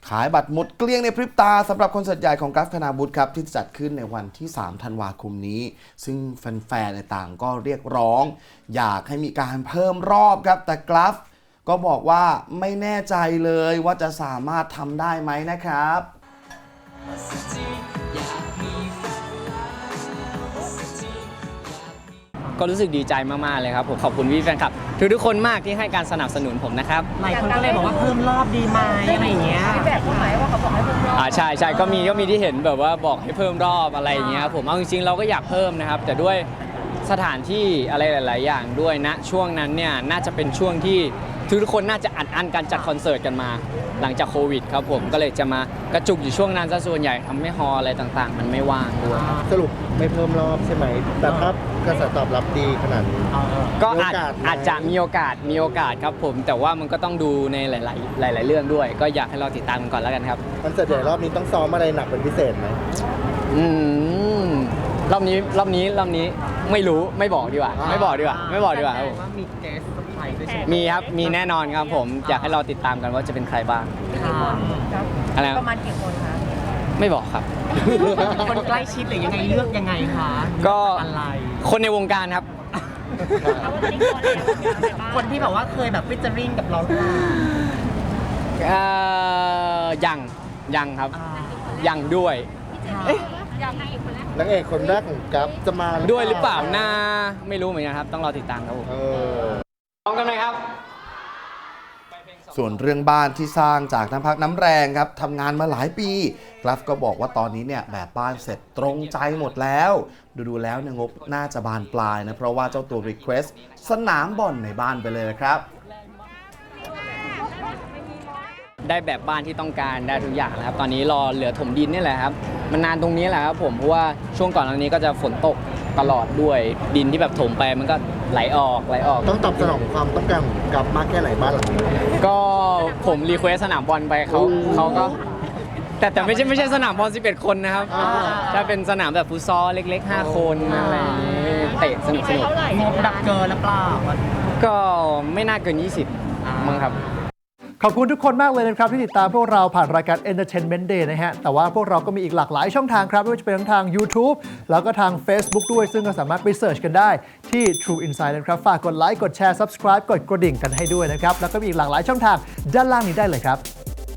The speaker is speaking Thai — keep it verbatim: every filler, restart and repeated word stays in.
ขายบัตรหมดเกลี้ยงในพริบตาสำหรับคอนเสิร์ตใหญ่ของกราฟคณาวุฒิครับที่จะจัดขึ้นในวันที่สามธันวาคมนี้ซึ่งแฟนๆต่างก็เรียกร้องอยากให้มีการเพิ่มรอบครับแต่กราฟก็บอกว่าไม่แน่ใจเลยว่าจะสามารถทำได้ไหมนะครับก็รู้สึกดีใจมากๆเลยครับผมขอบคุณพี่แฟนคลับทุกๆคนมากที่ให้การสนับสนุนผมนะครับหลายคนก็เลยบอกว่าเพิ่มรอบดีไหมอะไรอย่างเงี้ยพี่แบบพูดไหมว่าเขาบอกให้เพิ่มรอบอ่าใช่ใช่ก็มีก็มีที่เห็นแบบว่าบอกให้เพิ่มรอบอะไรอย่างเงี้ยผมเอาจริงๆเราก็อยากเพิ่มนะครับแต่ด้วยสถานที่อะไรหลายๆอย่างด้วยนะช่วงนั้นเนี่ยน่าจะเป็นช่วงที่ทุกคนน่าจะอัดอั้นการจัดคอนเสิร์ตกันมาหลังจากโควิดครับผมก็เลยจะมากระจุกอยู่ช่วงนั้นซะส่วนใหญ่ทำให้ฮอลอะไรต่างๆมันไม่ว่างด้วยสรุปไม่เพิ่มรอบใช่ไหมแต่ถ้ากระแสตอบรับดีขนาดนี้ก็อาจอาจจะมีโอกาสมีโอกาสครับผมแต่ว่ามันก็ต้องดูในหลายๆหลายๆเรื่องด้วยก็อยากให้เราติดตามกันก่อนแล้วกันครับคอนเสิร์ตใหญ่รอบนี้ต้องซ้อมอะไรหนักเป็นพิเศษไหมอืมรอบนี้รอบนี้รอบนี้ไม่รู้ไม่บอกดีกว่าไม่บอกดีกว่าไม่บอกดีกว่าครับผมมีเกสใครด้วยใช่ไหมมีครับมีแน่นอนครับผมอยากให้เราติดตามกันว่าจะเป็นใครบ้างอะไรประมาณกี่คนคะไม่บอกครับคนใกล้ชิดหรือยังไงเลือกยังไงคะก็อะไรคนในวงการครับคนที่แบบว่าเคยแบบฟิชเจอริงกับเราเอ่อยังยังครับยังด้วยนางเอกคนแรกของกัฟจะมาด้วยหรือเปล่าน่าไม่รู้เหมือนกันครับต้องรอติดตามครับผมพร้อมกันไหมครับส่วนเรื่องบ้านที่สร้างจากน้ำพักน้ำแรงครับทำงานมาหลายปีกราฟก็บอกว่าตอนนี้เนี่ยแบบบ้านเสร็จตรงใจหมดแล้วดูๆแล้วเนี่ยงบน่าจะบานปลายนะเพราะว่าเจ้าตัวรีเควสสนามบอลในบ้านไปเลยนะครับได้แบบบ้านที่ต้องการได้ทุกอย่างแล้วครับตอนนี้รอเหลือถมดินนี่แหละครับมันนานตรงนี้แหละครับผมเพราะว่าช่วงก่อนอันนี้ก็จะฝนตกตลอดด้วยดินที่แบบถมไปมันก็ไหลออกไหลออกต้องตอบสนองความต้องการของกัฟมากแค่ไหนบ้านหลังนี้ก็ผมรีเควสสนามบอลไปเขาเขาก็แต่แต่ไม่ใช่ไม่ใช่สนามบอลสิบเอ็ดคนนะครับถ้าเป็นสนามแบบฟุตซอลเล็กๆห้าคนอะไรอย่างนี้เตะสนุกสนุกงบดับเกินหรือเปล่าก็ไม่น่าเกินยี่สิบมั้งครับขอบคุณทุกคนมากเลยนะครับที่ติดตามพวกเราผ่านรายการ Entertainment Day นะฮะแต่ว่าพวกเราก็มีอีกหลากหลายช่องทางครับไม่ว่าจะเป็นทั้งทาง YouTube แล้วก็ทาง Facebook ด้วยซึ่งก็สามารถไปเสิร์ชกันได้ที่ True Insight นะครับฝากกดไลค์กดแชร์ Subscribe กดกระดิ่งกันให้ด้วยนะครับแล้วก็มีอีกหลากหลายช่องทางด้านล่างนี้ได้เลยครับ